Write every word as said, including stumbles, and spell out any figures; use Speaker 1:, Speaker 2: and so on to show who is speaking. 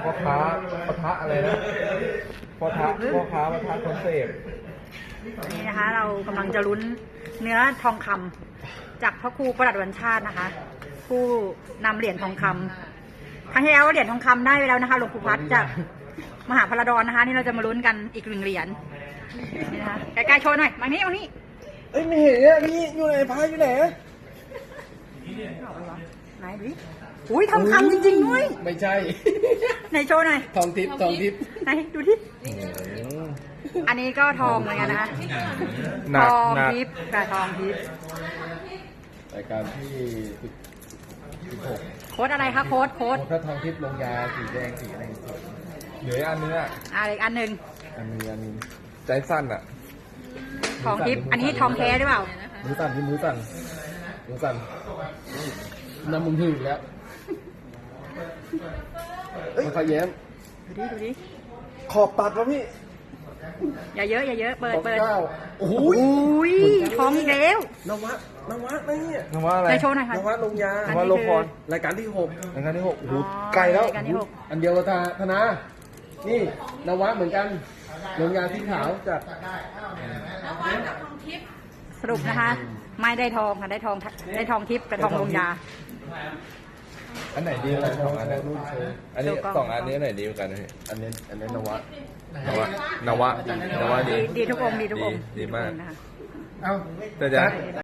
Speaker 1: พ่อค้าปะทะอะไรนะพ่อค้าพ่อค้าปะทะคนเสพ
Speaker 2: นี่นะคะเรากำลังจะลุ้นเนื้อทองคำจากพระครูประหลัดวันชาตินะคะ ผู้นำเหรียญทองคำครั้งที่แล้วเหรียญทองคำได้ไปแล้วนะคะหลวงปู่พัดจากมหาพระดอนนะคะ นี่เราจะมาลุ้นกันอีกหนึ่งเหรียญนี่นะคะใกล้ๆโชว์หน่อยมานี่มานี่
Speaker 1: เอ้ยไม่เห็นเนี่ยพี่อยู่ไหนพายอยู่ไหน
Speaker 2: ไหนดูดิอุ้ยทองคำจริงๆด้วย
Speaker 1: ไม่ใช่
Speaker 2: ไหนโชว์หน่อย
Speaker 1: ทองทิพย์ทองทิพย์
Speaker 2: ไหนดูดิอันนี้ก็ทองเหมือนกันนะคะทองทิพย์กับทองทิพย์
Speaker 1: รายการที่สิบหก
Speaker 2: โค้ดอะไรคะโค้ดโค้ด
Speaker 1: ถ้าทองทิพย์ลงยาสีแดงสีอะไรเหลืออันนึงอ่ะ
Speaker 2: อะไรอันหนึ่ง
Speaker 1: อันนึงอันนึงใจสั้นอ่ะ
Speaker 2: ทองทิพย์อันนี้ทองแท้หรือเปล่า
Speaker 1: มือสั่นที่มือสั่นมือสั่นน้ำมึงถึงแล้วมาขย้ม
Speaker 2: ดูดิดูดิ
Speaker 1: ขอบตัดแล้วพี่
Speaker 2: อย่าเยอะอย่าเยอะเปิดเปิด
Speaker 1: โอ้โห
Speaker 2: ทองอีกแล้ว
Speaker 1: นวัดนวัดอะไรเนี่ยนวัดอะไร
Speaker 2: ในโชว์หน่อยค่ะ
Speaker 1: นวัดลงยานวัดลงพรรายการที่หกรายการที่หกโอ้โหไกลแล้วอันเดียวกับธนานี่นวัดเหมือนกันลงยาที่ขาวจาก
Speaker 2: สรุปนะคะไม่ได้ทองค่ะได้ทองได้ทองทิพย์กับทองลงยา
Speaker 1: อันไหนดีกันสองอันนี้อันนี้สองอันนี้ไหนดีกันอันนี้อันนี้นวะนวะนวะนวะดี
Speaker 2: ดีทุกองดีทุกอง
Speaker 1: ดีมาก
Speaker 2: แต่
Speaker 1: จะ